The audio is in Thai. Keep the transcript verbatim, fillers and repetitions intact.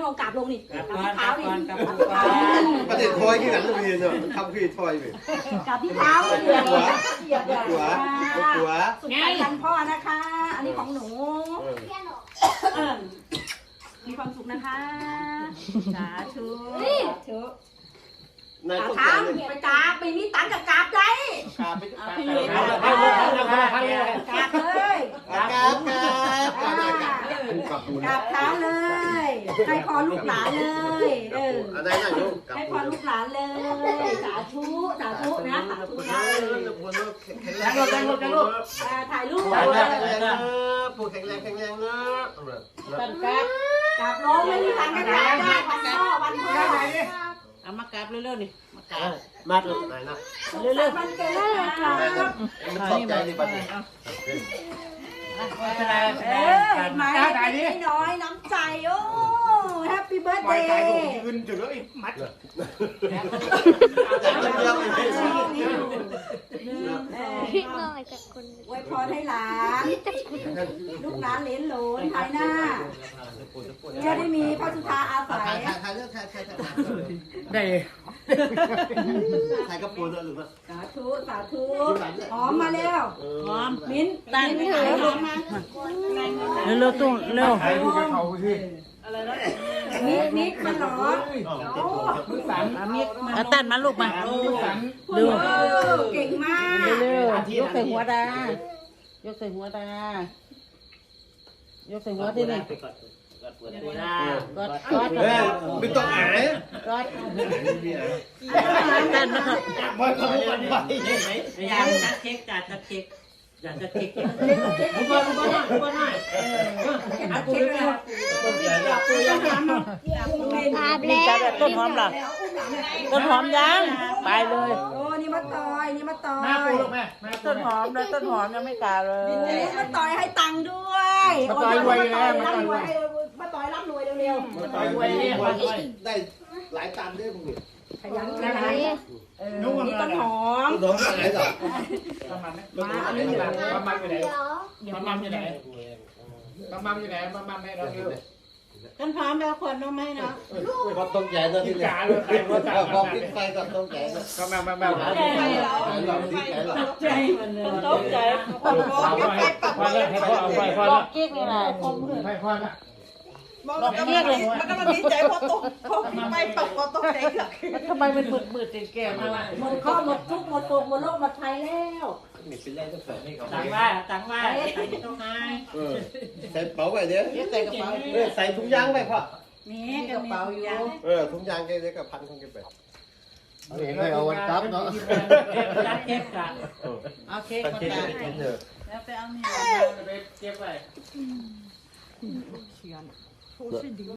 ลงกราบลงนี่กับกราบก่อนที่เท้ากับนี่ก่อนกับก่อนประเด็นทอยที่หลังโรงเรียนเนาะทำคือทอยไปกราบที่เท้าเหยียบหัวเหยียบหัวหัวหัวสุดท้ายกันพ่อนะคะ อันนี้ของหนูเออมีความสุขนะคะสาธุสาธุนายกราบต้องเท้าการเลยไปกราบไม่มีตังค์กับกราบได้กราบไปเอากราบพี่ไปเลยกราบกราบกราบเลยกราบกราบกราบกราบกราบกราบเท้าเลย ให้พรลูกหลานเลยเอออันไหนไหนลูกกราบให้พรลูกหลานเลยสาธุสาธุนะสาธุนะแข็งแรงแข็งแรงแข็งแรงอ่าถ่ายรูปแข็งเลแรงยแข็งแรงเนอะปู่แข็งแรงแข็งแรงเนอะตันกับกราบน้องไม่มีตังค์กันกราบได้วันพ่อวันพ่อเอามากราบเร็วๆนี่มากราบมาดูไหนนะเร็วๆวันเกิดนะครับมันขอบใจดีป่ะเนี่ยเป็นไรเออเห็นไหมน้อยน้ำใจโอ้แฮปปี้เบิร์ดเดย์ยืนจุดแล้วไอ้มัดพี่น้อยกับคนอวยพรให้หลานลูกหลานเหลนหลนภายหน้าจะได้มีพระสุธาอาศัยถ่ายถ่ายถ่ายเรื่องถ่ายถ่ายถ่ายได้ถ่ายกระปูนหรือเปล่าสาธุสาธุหอมมาเร็วหอมมิ้นตั้งมิ้นถือหอมมาเร็วๆตุ้งเร็วถ่ายรูปกับเขาที่มิกมิกมันหรอมือสั่นมิกมาตันมาลูกมามือสั่นดู เก่งมากเร็วๆยกใส่หัวดายกใส่หัวดายกใส่หัวที่นี่กดกดกดเฮ้ยไม่ต้องหายกดตันมาครับมันขโมยไปอยากจัดเค้กจัดจัดเค้กอยากจัดเค้กอุบลอุบลหน่อยอุบลหน่อยอาปูเร็วอาปูยังทำภาพนี่แล้วจัดต้นหอมหรอต้นหอมยังไปเลยโอ้นี่มาต่อยนี่มาต่อแม่ปูยลูกแม่แม่ต้นหอมแล้วต้นหอมยังไม่กล้าเลยนี่มาต่อยให้ตังค์ด้วยมาต่อยรวยร่ำรวยมาต่อยร่ำรวยเร็วต่อยไว้เนี่ยได้หลายตันด้วยพวกนี้ๆขยันขยันเออนี่ต้นหอมน้องไหนต่อประมาณนี้มาอันนี้ประมาณอยู่ไหนเดี๋ยวประมาณอยู่ไหนประมาณอยู่ไหนประมาณไหนเราเยอะต้นหอมแล้วคนน้องไหมเนาะความต้องใจนะที่เนี่ยความคิดไฟกับต้องใจนะประมาณประมาณใจเราคิดใจเราใจมันเลยตกใจเอาไปพอแล้วให้พ่อเอาไปพอลแล้อวกกิ๊กนี่แหละคมเลยให้พ่อละลอกกิ๊กเลยมันก็มันดีใจเพราะตกเพราะไปตกก็ตกใจหรอกทำไมมันมืดมืดแก่มาหมดข้อหมดทุกหมดโศกหมดโรคหมดภัยแล้วมีเป็นไรต้องใส่ให้เขาตังว่าตังว่าตังต้องให้เออใส่เป๋าไปเนี้ยใส่กระเป๋าเออใส่ถุงยางไปพ่อนี่กระเป๋าอยู่เออถุงยางแกจะกับพันคงแกไปเห็นให้เอาวันกับเนาะจัดเค้กกันเอาเค้กตัดมาเค้กตัดไปกินเถอะแล้วไปเอานี่ไปเก็บไป